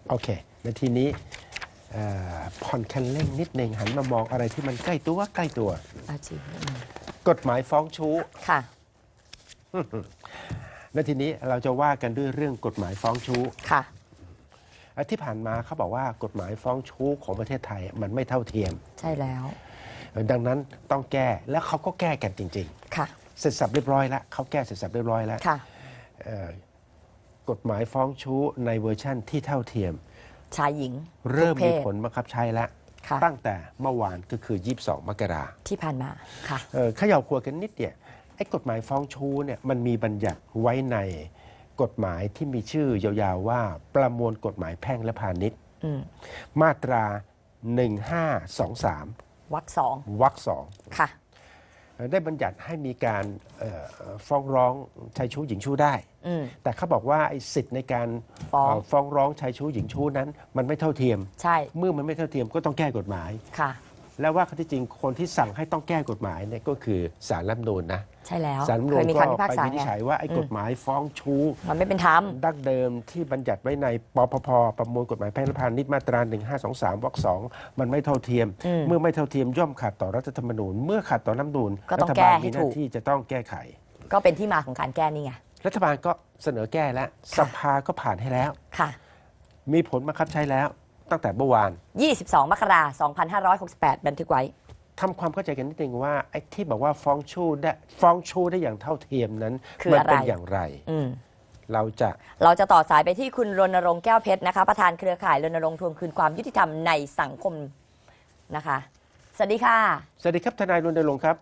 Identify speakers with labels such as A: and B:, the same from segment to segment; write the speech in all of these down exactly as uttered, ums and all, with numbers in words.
A: โอเคในทีนี้ผ่อนคันเร่งนิดหนึ่งหันมามองอะไรที่มันใกล้ตัวใกล้ตัว
B: อาจริง
A: กฎหมายฟ้องชู้
B: ค่ะ
A: ในทีนี้เราจะว่ากันด้วยเรื่องกฎหมายฟ้องชู้
B: ค่ะ
A: ที่ผ่านมาเขาบอกว่ากฎหมายฟ้องชู้ของประเทศไทยมันไม่เท่าเทียม
B: ใช่แล้ว
A: ดังนั้นต้องแก้แล้วเขาก็แก้กันจริง
B: ๆค่ะ
A: เสร็จสับเรียบร้อยแล้วเขาแก้เสร็จสับเรียบร้อยแล้ว
B: ค่ะ
A: กฎหมายฟ้องชู้ในเวอร์ชั่นที่เท่าเทียม
B: ชายหญิง
A: เริ่มมีผลบังคับใช้แล้วตั้งแต่เมื่อวานก็คือยี่สิบสองมกรา
B: ที่ผ่านมาค่ะ
A: เขย่าขวดกันนิดเดียวไอ้กฎหมายฟ้องชู้เนี่ยมันมีบัญญัติไว้ในกฎหมายที่มีชื่อยาวๆว่าประมวลกฎหมายแพ่งและพาณิชย์มาตราหนึ่งห้าสองสาม
B: วรรคสอง
A: วรรคสอง
B: ค่ะ
A: ได้บัญญัติให้มีการฟ้องร้องชายชู้หญิงชู้ได้แต่เขาบอกว่าไอ้สิทธิ์ในการฟ้องฟ้องร้องชายชู้หญิงชู้นั้นมันไม่เท่าเทียม
B: ใช่
A: เมื่อมันไม่เท่าเทียมก็ต้องแก้กฎหมาย
B: ค่ะ
A: แล้วว่าข้อที่จริงคนที่สั่งให้ต้องแก้กฎหมายเนี่ยก็คือศาลรัฐธรรมนูญนะ
B: ใช่แล้ว
A: ศาลรัฐธรรมนูญก็ไปวินิจฉัยว่าไอ้กฎหมายฟ้องชู้
B: มันไม่เป็นธรรม
A: ดั้งเดิมที่บัญญัติไว้ในปปพประมวลกฎหมายแพ่งและพาณิชย์มาตราหนึ่งห้าสองสามวรรคสองมันไม่เท่าเทียมเมื่อไม่เท่าเทียมย่อมขัดต่อรัฐธรรมนูญเมื่อขัดต่อรัฐธรรมนูญรัฐบาลมีหน้าที่จะต้องแก้ไข
B: ก็เป็นที่มาของการแก้นี่ไง
A: รัฐบาลก็เสนอแก้แล้วสภาก็ผ่านให้แล้ว
B: ค่ะ
A: มีผลบังคับใช้แล้วตั้งแต่เมื่อวาน
B: ยี่สิบสองมกราคมสองพันห้าร้อยหกสิบแปดบันทึกไว้
A: ทำความเข้าใจกันนิดนึงว่าไอ้ที่บอกว่าฟ้องชู้ได้ฟ้องชู้ได้อย่างเท่าเทียมนั้นมันเป็นอย่างไรเราจะ
B: เราจะต่อสายไปที่คุณรณรงค์แก้วเพชรนะคะประธานเครือข่ายรณรงค์ทวงคืนความยุติธรรมในสังคมนะคะสวัสดีค่ะ
A: สวัสดีครับทนายรณรงค์ครับ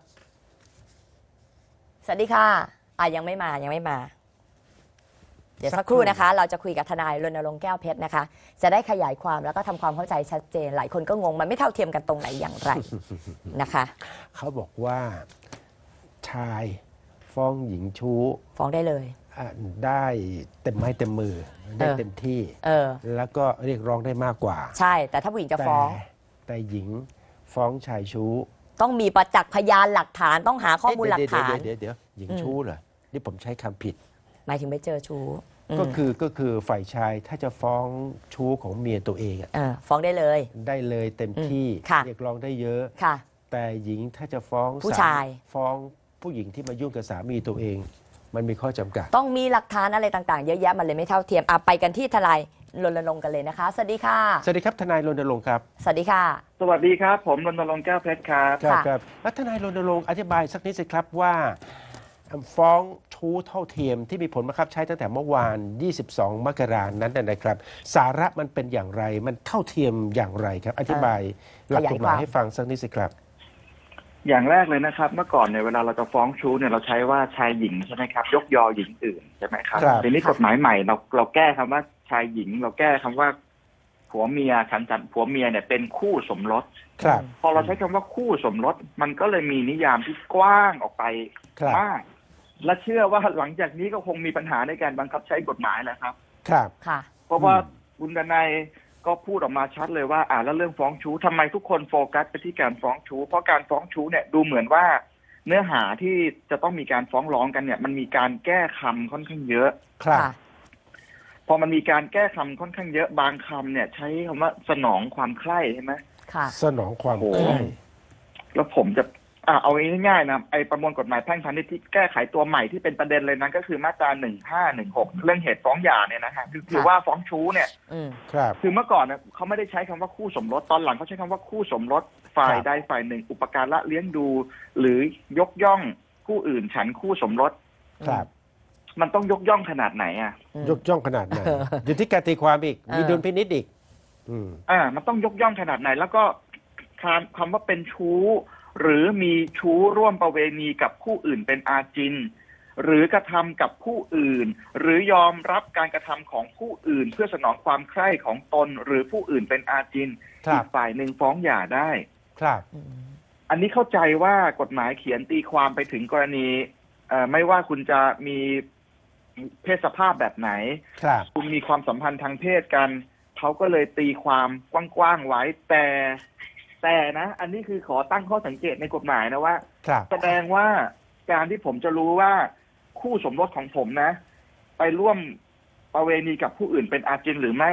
B: สวัสดีค่ะอ่ะยังไม่มายังไม่มาเดี๋ยวสักครู่นะคะเราจะคุยกับทนายรณรงค์แก้วเพชรนะคะจะได้ขยายความแล้วก็ทำความเข้าใจชัดเจนหลายคนก็งงมันไม่เท่าเทียมกันตรงไหนอย่างไรนะคะ
A: เขาบอกว่าชายฟ้องหญิงชู้
B: ฟ้องได้เลย
A: ได้เต็มไม้เต็มมือได้เต็มที่แล้วก็เรียกร้องได้มากกว่า
B: ใช่แต่ถ้าผู้หญิงจะฟ้อง
A: แต่หญิงฟ้องชายชู้
B: ต้องมีประจักษ์พยานหลักฐานต้องหาข้อมูลหลักฐาน
A: เดี๋ยวเดี๋ยวหญิงชู้เหรอนี่ผมใช้คำผิด
B: หมายถึงไม่เจอชู้
A: ก็คือก็คือฝ่ายชายถ้าจะฟ้องชู้ของเมียตัวเองอ่ะ
B: ฟ้องได้เลย
A: ได้เลยเต็มที่เรียกร้องได้เยอะแต่หญิงถ้าจะฟ้อง
B: ผู้ชาย
A: ฟ้องผู้หญิงที่มายุ่งกับสามีตัวเองมันมีข้อจำกัด
B: ต้องมีหลักฐานอะไรต่างๆเยอะแยะมันเลยไม่เท่าเทียมอ่ะไปกันที่ทนายรณรงค์กันเลยนะคะสวัสดีค่ะ
A: สวัสดีครับทนายรณรงค์ครับ
B: สวัสดีค่ะ
C: สวัสดีครับผมรณรงค์แก้วเพชรครับ
A: ครับครับแล้วทนายรณรงค์อธิบายสักนิดสิครับว่าฟ้องชู้เท่าเทียมที่มีผลบังคับใช้ตั้งแต่เมื่อวานยี่สิบสองมกราคมนั้นนะครับสาระมันเป็นอย่างไรมันเท่าเทียมอย่างไรครับอธิบายหลักกฎหมายให้ฟังสักนิดสิครับ
C: อย่างแรกเลยนะครับเมื่อก่อนเนี่ยเวลาเราจะฟ้องชู้เนี่ยเราใช้ว่าชายหญิงใช่ไหมครับยกยอหญิงอื่นใช่ไหมครับทีนี้กฎหมายใหม่เราเราแก้คำว่าชายหญิงเราแก้คำว่าผัวเมียฉันจันผัวเมียเนี่ยเป็นคู่สมรสพอเราใช้คำว่าคู่สมรสมันก็เลยมีนิยามที่กว้างออกไปมากและเชื่อว่าหลังจากนี้ก็คงมีปัญหาในการบังคับใช้กฎหมายแหละครับ
A: ครับ
B: ค่ะ
C: เพราะว่าคุณดนัยก็พูดออกมาชัดเลยว่าอ่าแล้วเรื่องฟ้องชู้ทำไมทุกคนโฟกัสไปที่การฟ้องชู้เพราะการฟ้องชู้เนี่ยดูเหมือนว่าเนื้อหาที่จะต้องมีการฟ้องร้องกันเนี่ยมันมีการแก้คำค่อนข้างเยอะ
A: ครับ
C: พอมันมีการแก้คำค่อนข้างเยอะบางคำเนี่ยใช้คำว่าสนองความใคร่ใช่ไหม
B: ค่ะ
A: สนองความใคร่
C: แล้วผมจะอ่าเอาง่ายๆนะไอประมวลกฎหมายแพ่งพาณิชย์ที่แก้ไขตัวใหม่ที่เป็นประเด็นเลยนั้นก็คือมาตราหนึ่งห้าหนึ่งหกเรื่องเหตุฟ้องหย่าเนี่ยนะฮะคือว่าฟ้องชู้เนี่ย
A: ครับ
C: คือเมื่อก่อนเนี่ยเขาไม่ได้ใช้คำว่าคู่สมรสตอนหลังเขาใช้คำว่าคู่สมรสฝ่ายใดฝ่ายหนึ่งอุปการะเลี้ยงดูหรือยกย่องผู้อื่นฉันคู่สมรส
A: ครับ
C: มันต้องยกย่องขนาดไหนอ่ะ
A: ยกย่องขนาดไหนอยู่ที่การตีความอีกมีดุลพินิจอีก
C: อ่ามันต้องยกย่องขนาดไหนแล้วก็คำว่าเป็นชู้หรือมีชู้ร่วมประเวณีกับผู้อื่นเป็นอาจินหรือกระทำกับผู้อื่นหรือยอมรับการกระทำของผู้อื่นเพื่อสนองความใคร่ของตนหรือผู้อื่นเป็นอาจินอีกฝ่ายหนึ่งฟ้องหย่าได้
A: ครับ
C: อันนี้เข้าใจว่ากฎหมายเขียนตีความไปถึงกรณีไม่ว่าคุณจะมีเพศสภาพแบบไหนคุณมีความสัมพันธ์ทางเพศกันเขาก็เลยตีความกว้างๆไว้แต่แต่นะอันนี้คือขอตั้งข้อสังเกตในกฎหมายนะว่าแสดงว่าการที่ผมจะรู้ว่าคู่สมรสของผมนะไปร่วมประเวณีกับผู้อื่นเป็นอาจินหรือไม่ผ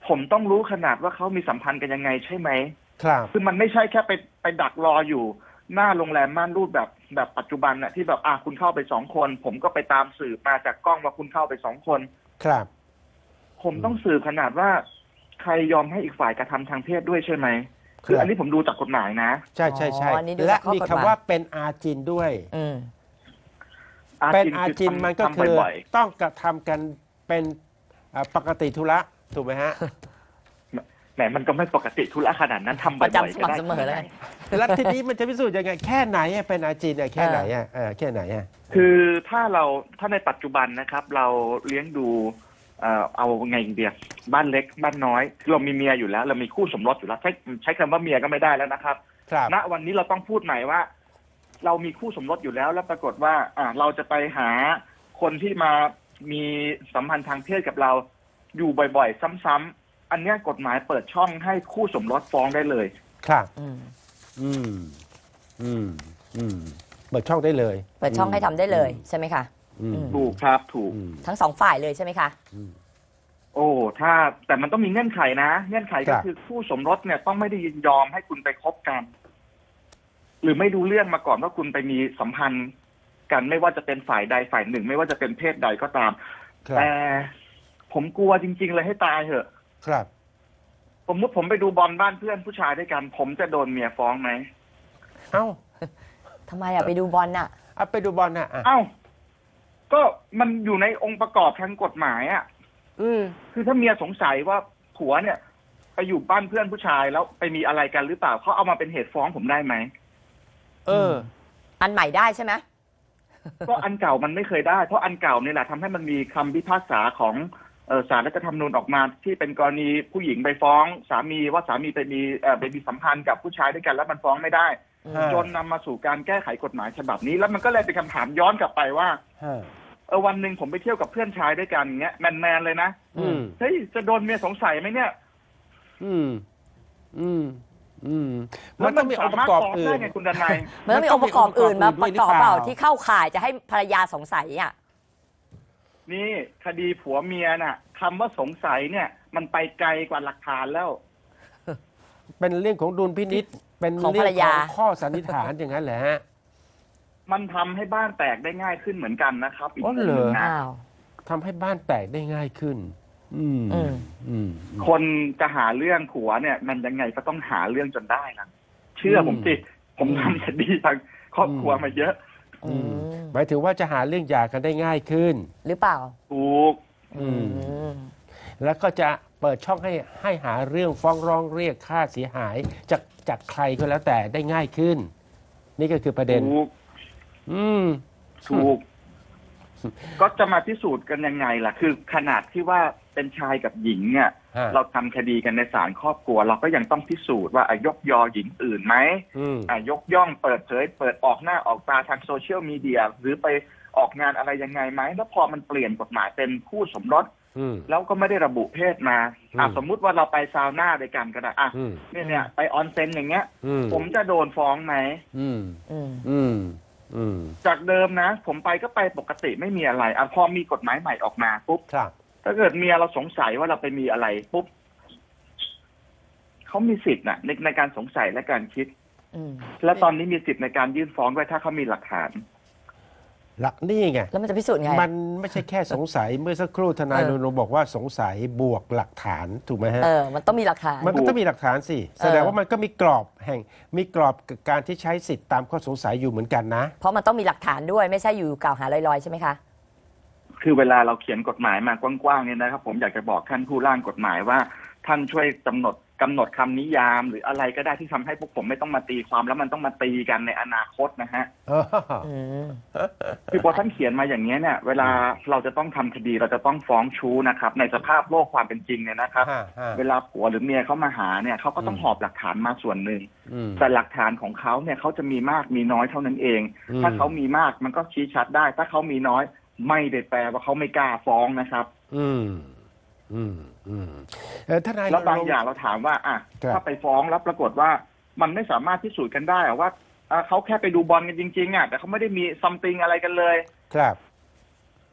C: ผมต้องรู้ขนาดว่าเขามีสัมพันธ์กันยังไงใช่ไหม
A: ครับ
C: คือมันไม่ใช่แค่ไปไปดักรออยู่หน้าโรงแรมม่านรูดแบบแบบปัจจุบันน่ะที่แบบอ่ะคุณเข้าไปสองคน ผมก็ไปตามสืบมาจากกล้องว่าคุณเข้าไปสองคน
A: ครับ
C: ผมต้องสืบขนาดว่าใครยอมให้อีกฝ่ายกระทำทางเพศด้วยใช่ไหม
A: ครับ
C: คืออันนี้ผมดูจากกฎหมายนะ
A: ใช่ใช่ใช่
B: อ๋ออันนี้ดู
A: และ
B: จากข้อ
A: มี
B: กฎห
A: คำ
B: มาย
A: ว่าเป็นอาจินด้วย
B: อืม
A: เป็นอาจินมันก็คือ
C: บ่อย
A: ต้องกระทำกันเป็นอ่าปกติธุระถูกไหมฮะ
C: ๆแหมมันก็ไม่ปกติทุระขนาดนั้นทำบ่
B: ป
C: อย
B: ระ
C: ๆ
B: จำส
C: ก็
B: ม่ำ
C: ได้
B: เสมอเลย
A: แล้วทีนี้มันจะพิสูจน์ยังไงแค่ไหนอะเป็นอาจินอะแค่ไหนอะเออแค่ไหนอะ
C: คือถ้าเราถ้าในปัจจุบันนะครับ เราเลี้ยงดูเอ่อเอาไงเดียบ้านเล็กบ้านน้อยเรามีเมียอยู่แล้ว เรามีคู่สมรสอยู่แล้วใช้ใช้คำว่าเมียก็ไม่ได้แล้วนะครับ
A: ครับ
C: ณวันนี้เราต้องพูดใหม่ว่า เรามีคู่สมรสอยู่แล้ว แล้วปรากฏว่า อ่า เราจะไปหาคนที่มามีสัมพันธ์ทางเพศกับเราอยู่บ่อยๆ ซ้ำๆอันเนี้ยกฎหมายเปิดช่องให้คู่สมรสฟ้องได้เลย
A: ครับ
B: อืม
A: อืมอืมอืมเปิดช่องได้เลย
B: เปิดช่องให้ทำได้เลยใช่ไหมคะ
A: อืม
B: อืม
C: ถูกครับถูก
A: อืม
B: ทั้งสองฝ่ายเลยใช่ไหมคะ
A: อืม
C: โอ้ถ้าแต่มันต้องมีเงื่อนไขนะ เงื่อนไข
A: ครั
C: ก็
A: บ
C: คือคู่สมรสเนี่ยต้องไม่ได้ยินยอมให้คุณไปคบกัน หรือไม่ดูเรื่องมาก่อนว่าคุณไปมีสัมพันธ์กันไม่ว่าจะเป็นฝ่ายใดฝ่ายหนึ่ง ไม่ว่าจะเป็นเพศใดก็ตาม
A: ครับ
C: แต่ผมกลัวจริง ๆ เลยให้ตายเถอะ
A: ครับ
C: สมมติผมไปดูบอลบ้านเพื่อนผู้ชายด้วยกัน ผมจะโดนเมียฟ้องไหม
A: เอ้า
B: ทำไมอะไปดูบอลน่ะ
A: เอาไปดูบอลนะอ่ะ
C: เอ้า ก็มันอยู่ในองค์ประกอบทางกฎหมายอ่ะ
A: อืม
C: คือถ้าเมียสงสัยว่าผัวเนี่ย ไปอยู่บ้านเพื่อนผู้ชายแล้วไปมีอะไรกันหรือเปล่าเขาเอามาเป็นเหตุฟ้องผมได้ไหม
A: เออ
B: อันใหม่ได้ใช่ไหม
C: ก็อันเก่ามันไม่เคยได้ เพราะอันเก่านี่แหละทำให้มันมีคำพิพากษาของเอ่อศาลรัฐธรรมนูญออกมาที่เป็นกรณีผู้หญิงไปฟ้องสามีว่าสามีไปมีเอ่อไปมีสัมพันธ์กับผู้ชายด้วยกันแล้วมันฟ้องไม่ได้
A: ฮะ
C: จนนำมาสู่การแก้ไขกฎหมายฉบับนี้ แล้วมันก็เลยเป็นคำถามย้อนกลับไปว่า
A: ฮะ
C: เออวันหนึ่งผมไปเที่ยวกับเพื่อนชายด้วยกันอย่างเงี้ยแมนๆเลยนะ
A: อืม
C: เฮ้ยจะโดนเมียสงสัยไหมเนี่ย
A: อืม อืม อืม
C: แล้
A: มั
C: วน
A: ต้
C: มั
A: อน งมีองค์ป
C: สา
A: ระ
C: มารถ
A: กอบ
C: ฟ้อง
A: อื่
C: ได้
A: น
C: ไงคุณดนัย
B: มันต้องมีองค์ประกอบอื่นมาประกอบเปล่าที่เข้าข่ายจะให้ภรรยาสงสัยอ่ะ
C: นี่คดีผัวเมียน่ะคำว่าสงสัยเนี่ย มันไปไกลกว่าหลักฐานแล้ว
A: เป็นเรื่องของดุลพินิษเป็น
B: ของ
A: เรื่
B: ภรร
A: ข
B: ยา
A: องข้อสันนิษฐานอย่างนั้นแหละฮะ
C: มันทำให้บ้านแตกได้ง่ายขึ้นเหมือนกันนะครับอีก
A: อ๋อ
C: มุม
A: เหร
C: ห
A: อ
C: นึ่งนะ
B: อ้าว
A: ทำให้บ้านแตกได้ง่ายขึ้น อืม
B: อืม
A: อืม
C: คนจะหาเรื่องผัวเนี่ย มันยังไงก็ต้องหาเรื่องจนได้นะเชื่อผมสิผมทำคดีทางครอบครัวมาเยอะ
B: อืม
A: หมายถึงว่าจะหาเรื่องหย่ากันได้ง่ายขึ้น
B: หรือเปล่า
C: ถูก
A: อืม
B: อืม
A: แล้วก็จะเปิดช่องให้ให้หาเรื่องฟ้องร้องเรียกค่าเสียหายจากจากใครก็แล้วแต่ได้ง่ายขึ้น นี่ก็คือประเด็น
C: ถูก
A: อืม
C: ถูก ก็จะมาพิสูจน์กันยังไงล่ะ คือขนาดที่ว่าเป็นชายกับหญิงเนี่ย
A: ฮะ
C: เราทำคดีกันในศาลครอบครัว เราก็ยังต้องพิสูจน์ว่าอ่ะยกยอหญิงอื่นไหม
A: อืม
C: อ่ะยกย่องเปิดเผยเปิดออกหน้าออกตาทางโซเชียลมีเดียหรือไปออกงานอะไรยังไงไหมแล้วพอมันเปลี่ยนกฎหมายเป็นคู่สมรส
A: อืม
C: แล้วก็ไม่ได้ระบุเพศมาอ่ะ
A: อืม
C: สมมุติว่าเราไปซาวน่าด้วยกันก็ได้อ่ะ
A: อืม
C: เนี่ยเนี่ยไปออนเซ็นอย่างเงี้ย
A: อืม
C: ผมจะโดนฟ้องไหม
A: อืม
B: อืม
A: อืม อืม
C: จากเดิมนะ ผมไปก็ไปปกติไม่มีอะไรอ่ะพอมีกฎหมายใหม่ออกมาปุ๊บ
A: ครับ
C: ถ้าเกิดเมียเราสงสัยว่าเราไปมีอะไรปุ๊บเขามีสิทธิ์นะในในการสงสัยและการคิด
B: อืม
C: และตอนนี้มีสิทธิ์ในการยื่นฟ้องด้วยถ้าเขามีหลักฐาน
A: หลักนี่ไง
B: แล้วมันจะพิสูจน์ไง
A: มันไม่ใช่แค่สงสัย เมื่อสักครู่ทนาย
B: เอ
A: ร
B: อ
A: ณรงค์บอกว่าสงสัยบวกหลักฐานถูกไหมฮะ
B: เออ มันต้องมีหลักฐาน
A: มันก็ต้องมีหลักฐานสิ แสดงว่ามันก็มีกรอบแห่ง มีกรอบกับการที่ใช้สิทธิ์ตามข้อสงสัยอยู่เหมือนกันนะ
B: เพราะมันต้องมีหลักฐานด้วยไม่ใช่อยู่กล่าวหาลอยๆใช่ไหมคะ
C: คือเวลาเราเขียนกฎหมายมากว้างๆเนี่ยนะครับ ผมอยากจะบอกท่านผู้ร่างกฎหมายว่า ท่านช่วยกำหนดกำหนดคำนิยาม หรืออะไรก็ได้ที่ทำให้พวกผมไม่ต้องมาตีความแล้วมันต้องมาตีกันในอนาคตนะฮะ
B: อืม
C: คือพอท่านเขียนมาอย่างนี้ยเนี่ย เวลาเราจะต้องทำคดีเราจะต้องฟ้องชู้นะครับ ในสภาพโลกความเป็นจริงเนี่ยนะครับ
A: ฮะฮะ
C: เวลาผัวหรือเมียเขามาหาเนี่ยเขาก็ต้อง
A: อืม
C: หอบหลักฐานมาส่วนหนึ่ง
A: อืม
C: แต่หลักฐานของเขาเนี่ยเขาจะมีมากมีน้อยเท่านั้นเอง
A: อืม
C: ถ้าเขามีมากมันก็ชี้ชัดได้ ถ้าเขามีน้อยไม่ได้แปลว่าเขาไม่กล้าฟ้องนะครับ
A: อืม อืม อืมเออทนาย
C: แล้วบาง
A: รณรงค์
C: อย่างเราถามว่าอ่ะ
A: ครับ
C: ถ้าไปฟ้องแล้วปรากฏว่ามันไม่สามารถพิสูจน์กันได้อะว่าอ่ะเขาแค่ไปดูบอลกันจริงๆอ่ะแต่เขาไม่ได้มีซัมติงอะไรกันเลย
A: ครับ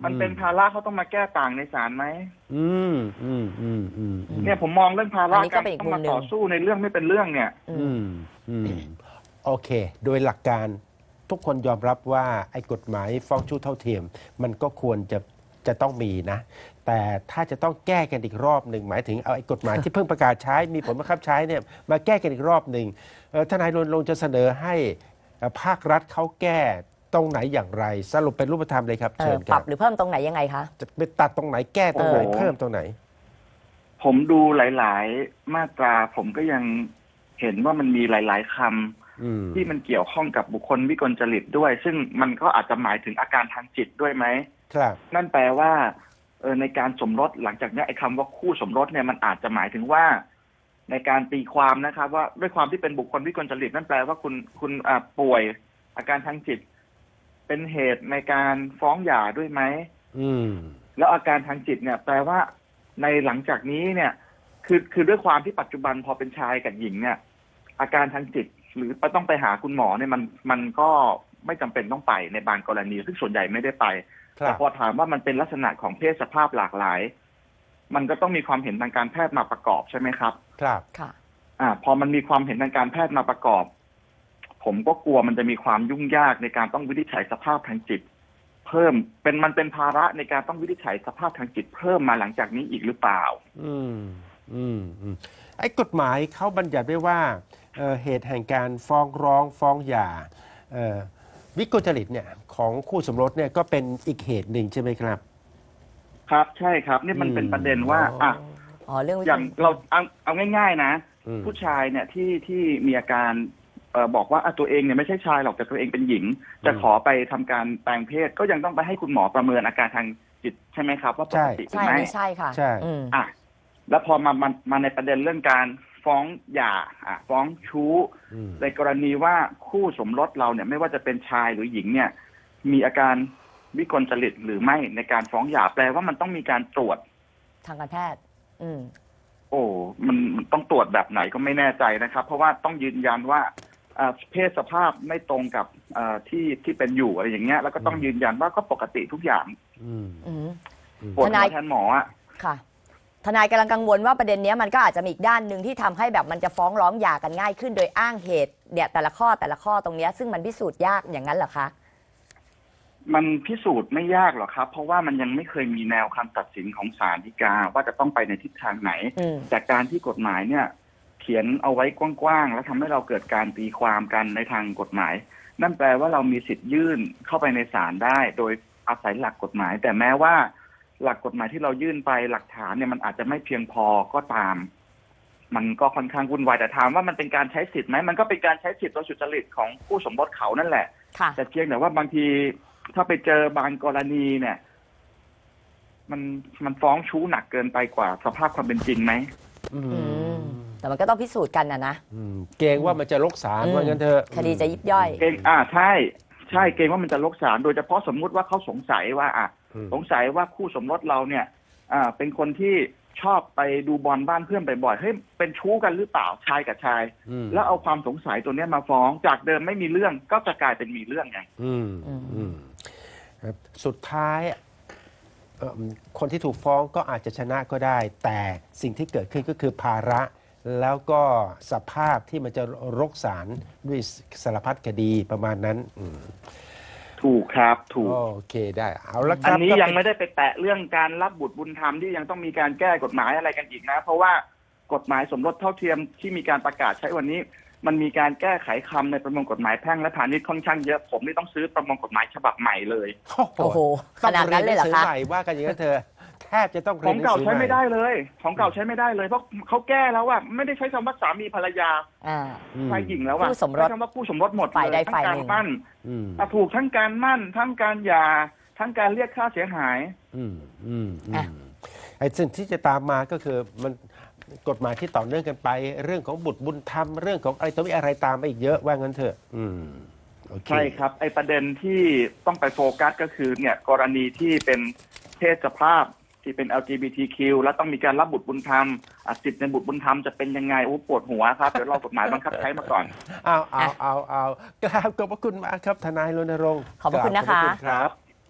C: มันเป็นภาระเขาต้องมาแก้ต่างในศาลไหม
A: อืมอืมอืมอืมอืม
C: เนี่ยผมมองเรื่องภาระ
B: อันนี้ก็
C: การ
B: เป็นอีก
C: ต้อง
B: มุ
C: มาม
B: หนึ่ง
C: ต่อสู้ในเรื่องไม่เป็นเรื่องเนี่ย
B: อื
A: อื
B: ม
A: มอืมโอเค โดยหลักการทุกคนยอมรับว่าไอ้กฎหมายฟ้องชู้เท่าเทียม มันก็ควรจะจะต้องมีนะ แต่ถ้าจะต้องแก้กันอีกรอบหนึ่งหมายถึงเอาไอ้กฎหมายที่เพิ่งประกาศใช้มีผลบังคับใช้เนี่ยมาแก้กันอีกรอบหนึ่งเอ่อทนายรณรงค์จะเสนอให้เอ่อภาครัฐเขาแก้ตรงไหนอย่างไร สรุปเป็นรูปธรรมเลยครับ
B: เอ
A: เชิ
B: อ
A: ญค
B: ปรั
A: รั
B: บบ หรือเพิ่มตรงไหนยังไงคะ
A: จะไปตัดตรงไหนแก้ตรงไหน
C: โอ้โห
A: เพิ่มตรงไหน
C: ผมดูหลาย ๆ มาตราผมก็ยังเห็นว่ามันมีหลาย ๆคำ
A: อืม
C: ที่มันเกี่ยวข้องกับบุคคลวิกลจริตด้วย ซึ่งมันก็อาจจะหมายถึงอาการทางจิตด้วยไหม
A: ครับ
C: นั่นแปลว่าเออในการสมรสหลังจากเนี้ยไอ้คำว่าคู่สมรสเนี่ยมันอาจจะหมายถึงว่า ในการตีความนะครับ ว่าด้วยความที่เป็นบุคคลวิกลจริตนั่นแปลว่าคุณคุณอ่าป่วย อาการทางจิต เป็นเหตุในการฟ้องหย่าด้วยไหม
A: อืม
C: แล้วอาการทางจิตเนี่ย แปลว่าในหลังจากนี้เนี่ย คือคือด้วยความที่ปัจจุบันพอเป็นชายกับหญิงเนี่ย อาการทางจิต หรือต้องไปหาคุณหมอเนี่ยมันมันก็ไม่จำเป็นต้องไปในบางกรณี ซึ่งส่วนใหญ่ไม่ได้ไป
A: ครั
C: แต่
A: บ
C: พอถามว่ามันเป็นลักษณะของเพศสภาพหลากหลาย มันก็ต้องมีความเห็นทางการแพทย์มาประกอบใช่ไหมครับ
A: ครับ
B: ค่ะ
C: อ่า พอมันมีความเห็นทางการแพทย์มาประกอบ ผมก็กลัวมันจะมีความยุ่งยากในการต้องวินิจฉัยสภาพทางจิต เพิ่มเป็นมันเป็นภาระในการต้องวินิจฉัยสภาพทางจิต เพิ่มมาหลังจากนี้อีกหรือเปล่า
A: อืมอืมอืมไอ้กฎหมายเขาบัญญัติไว้ว่าเอ่อเหตุแห่งการฟ้องร้องฟ้องหย่าเอ่อวิกลจริตเนี่ยของคู่สมรสเนี่ยก็เป็นอีกเหตุหนึ่งใช่ไหมครับ
C: ครับใช่ครับ นี่มันเป็นประเด็นว่าอ่ะ
B: อ๋อ เรื่องวิ
C: อย่างเราเอาเอาง่าย ๆ นะ
A: อืม
C: ผู้ชายเนี่ยที่ที่มีอาการเอ่อบอกว่าอ่ะตัวเองเนี่ยไม่ใช่ชายหรอกแต่ตัวเองเป็นหญิง จะขอไปทำการแปลงเพศก็ยังต้องไปให้คุณหมอประเมินอาการทางจิตใช่ไหมครับว่าปกติหรื
B: ใช่
C: อไม่
B: ไม่ใช่ค่ะ
A: ใช่
B: อืม
C: อ่ะแล้วพอมามามาในประเด็นเรื่องการฟ้องหย่าอ่ะฟ้องชู้
A: อืม
C: ในกรณีว่าคู่สมรสเราเนี่ยไม่ว่าจะเป็นชายหรือหญิงเนี่ย มีอาการวิกลจริตหรือไม่ในการฟ้องหย่าแปลว่ามันต้องมีการตรวจ
B: ทางการแพทย์ อืม
C: โอ้มันมันต้องตรวจแบบไหนก็ไม่แน่ใจนะครับ เพราะว่าต้องยืนยันว่าอ่าเพศสภาพไม่ตรงกับอ่าที่ที่เป็นอยู่อะไรอย่างเงี้ยแล้วก็ต้องยืนยันว่าก็ปกติทุกอย่าง
A: อืม
B: อืม
A: อืม
C: ปวด
B: ท
C: หั
B: นาย
C: วแทนหมออ่ะ
B: ค่ะ ทนายกำลังกังวลว่าประเด็นเนี้ยมันก็อาจจะมีอีกด้านหนึ่งที่ทำให้แบบมันจะฟ้องร้องหย่ากันง่ายขึ้นโดยอ้างเหตุเนี่ยแต่ละข้อแต่ละข้อตรงเนี้ยซึ่งมันพิสูจน์ยากอย่างนั้นเหรอคะ
C: มันพิสูจน์ไม่ยากหรอกครับ เพราะว่ามันยังไม่เคยมีแนวคำตัดสินของศาลฎีกาว่าจะต้องไปในทิศทางไหน
B: อืม
C: จากการที่กฎหมายเนี่ย เขียนเอาไว้กว้างๆแล้วทำให้เราเกิดการตีความกันในทางกฎหมาย นั่นแปลว่าเรามีสิทธิ์ยื่นเข้าไปในศาลได้ โดยอาศัยหลักกฎหมาย แต่แม้ว่าหลักกฎหมายที่เรายื่นไปหลักฐานเนี่ยมันอาจจะไม่เพียงพอก็ตาม มันก็ค่อนข้างวุ่นวายแต่ถามว่ามันเป็นการใช้สิทธิ์ไหมมันก็เป็นการใช้สิทธิ์โดยสุจริตของผู้สมรสเขานั่นแหละ
B: ค่ะ
C: แต่เพียงแต่ว่าบางทีถ้าไปเจอบางกรณีเนี่ย มันมันฟ้องชู้หนักเกินไปกว่าสภาพความเป็นจริงไหม
A: อื
B: อื
A: ม
B: ม แต่มันก็ต้องพิสูจน์กันนะนะ
A: อืมเกรงว่ามันจะลกศาล
B: อืม
A: ว่างั้นเถอะ
B: คดีจะยิบย่อย
C: เกรงอ่าใช่ ใช่เกรงว่ามันจะลกศาลโดยเฉพาะสมมุติว่าเขาสงสัยว่า อ่ะ
A: อืม
C: สงสัยว่าคู่สมรสเราเนี่ย อ่า เป็นคนที่ชอบไปดูบอลบ้านเพื่อนบ่อยๆเฮ้ยเป็นชู้กันหรือเปล่าชายกับชาย
A: อืม
C: แล้วเอาความสงสัยตัวเนี้ยมาฟ้องจากเดิมไม่มีเรื่องก็จะกลายเป็นมีเรื่องไง
A: อืม
B: อืม
A: อืมครับสุดท้ายเอิ่มคนที่ถูกฟ้องก็อาจจะชนะก็ได้ แต่สิ่งที่เกิดขึ้นก็คือภาระ แล้วก็สภาพที่มันจะรกศาลด้วยสารพัดคดีประมาณนั้นอืม
C: ถูกครับถูก
A: โอเคได้เอาละค
C: อัน
A: รับ
C: นี้
A: ก็
C: ยัง
A: เป็น
C: ไม่ได้ไปแตะเรื่องการรับบุตรบุญธรรมที่ยังต้องมีการแก้กฎหมายอะไรกันอีกนะ เพราะว่ากฎหมายสมรสเท่าเทียมที่มีการประกาศใช้วันนี้ มันมีการแก้ไขคำในประมวลกฎหมายแพ่งและพาณิชย์ค่อนข้างเยอะผมนี่ต้องซื้อประมวลกฎหมายฉบับใหม่เลย
B: โอ้โห
A: ต้
B: ข
A: อง
B: นาด
A: เรี
B: นั้
A: ย
B: น
A: นห
B: เล
A: นั
B: ยเหรอ
A: งสือ
B: คะ
A: ใหม่ว่ากันอย่างนั้นเธอแทบจะต้อง
C: ข
A: เรีย
C: อน ง
A: หนัง
C: เก่า
A: สือ
C: ใช้
A: ใหม่
C: ไม่ได้เลย ของเก่าใช้ไม่ได้เลยเพราะเขาแก้แล้วว่าไม่ได้ใช้คำว่าสามีภรรยา
B: อ่า
A: อืม
C: ชายหญิงแล้วว่า
B: คู่สมรส
C: ใช้คำว่าคู่สมรสหมด
B: ฝ่ายใด
C: เลยทั้
B: ฝ่าย
C: ง
B: ห
C: กา
B: นึ่
C: รง มั่น
A: อืม
C: อ่ะถูกทั้งการมั่น ทั้งการหย่าทั้งการเรียกค่าเสียหาย
A: อืมอืมอื
B: อ่ะ
A: มไอ้สิ่งที่จะตามมาก็คือมันกฎหมายที่ต่อเนื่องกันไป เรื่องของบุตรบุญธรรมเรื่องของอะไรตัวมีอะไรตามมาอีกเยอะว่างั้นเถอะอืมโอเค
C: ใช่ครับไอประเด็นที่ต้องไปโฟกัสก็คือเนี่ยกรณีที่เป็นเพศสภาพที่เป็น แอล จี บี ที คิว แล้วต้องมีการรับบุตรบุญธรรมอ่ะสิทธิในบุตรบุญธรรมจะเป็นยังไงโอ้ปวดหัวครับเดี๋ยวรอกฎหมายบังคับใช้มาก่อน
A: เอาเอาเอาเอากราบขอบพระคุณมากครับทนายรณรงค์
B: ขอบพระคุณนะคะ
A: กราบขอบพร
C: ครับ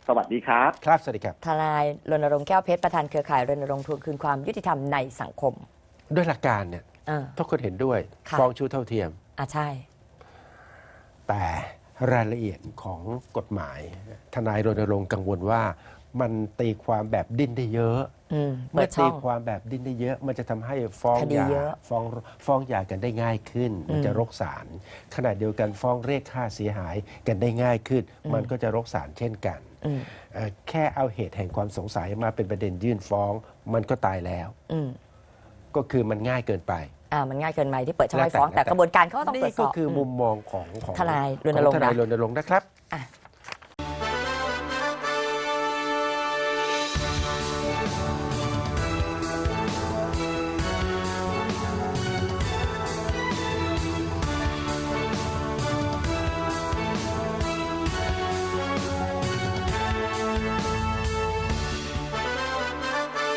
C: สวัสดีครับ
A: ครับสวัสดีครับ
B: ทนายรณรงค์แก้วเพชรประธานเครือข่ายรณรงค์ทวงคืนความยุติธรรมในสังคม
A: ด้วยหลักการเนี่ย
B: เออ
A: ทุกคนเห็นด้วย
B: ค่ะ
A: ฟ้องชู้เท่าเทียม
B: อ่ะใช่
A: แต่รายละเอียดของกฎหมาย ทนายรณรงค์กังวลว่ามันตีความแบบดิ้นได้เยอะ
B: อืมเปิ
A: เมื่อ
B: ดช่
A: ตี
B: อง
A: ความแบบดิ้นได้เยอะ มันจะทำให้ฟ้อง
B: ค
A: ห
B: ดี
A: ย่า
B: เยอะ
A: ฟ้องฟ้องหย่ากันได้ง่ายขึ้น มันจะ
B: อืม
A: รกศาลขณะเดียวกันฟ้องเรียกค่าเสียหายกันได้ง่ายขึ้น
B: อืม
A: มันก็จะรกศาลเช่นกัน
B: อืม
A: เอ่อแค่เอาเหตุแห่งความสงสัยมาเป็นประเด็นยื่นฟ้อง มันก็ตายแล้ว
B: อืม
A: ก็คือมันง่ายเกินไป
B: อ่ามันง่ายเกินไปที่เปิดช่องให้
A: แล้วแต่
B: ฟ้อง แต่
A: แล้วแต่
B: กระบวนการเขาก็ต้องตรว
A: นี่
B: จส
A: ก็
B: อบ
A: คือ
B: ม
A: มุมมองของของ
B: ทนายร
A: ข
B: ณ
A: อง
B: รง
A: ท
B: ค์
A: นาย
B: นะ
A: รณรงค์นะครับ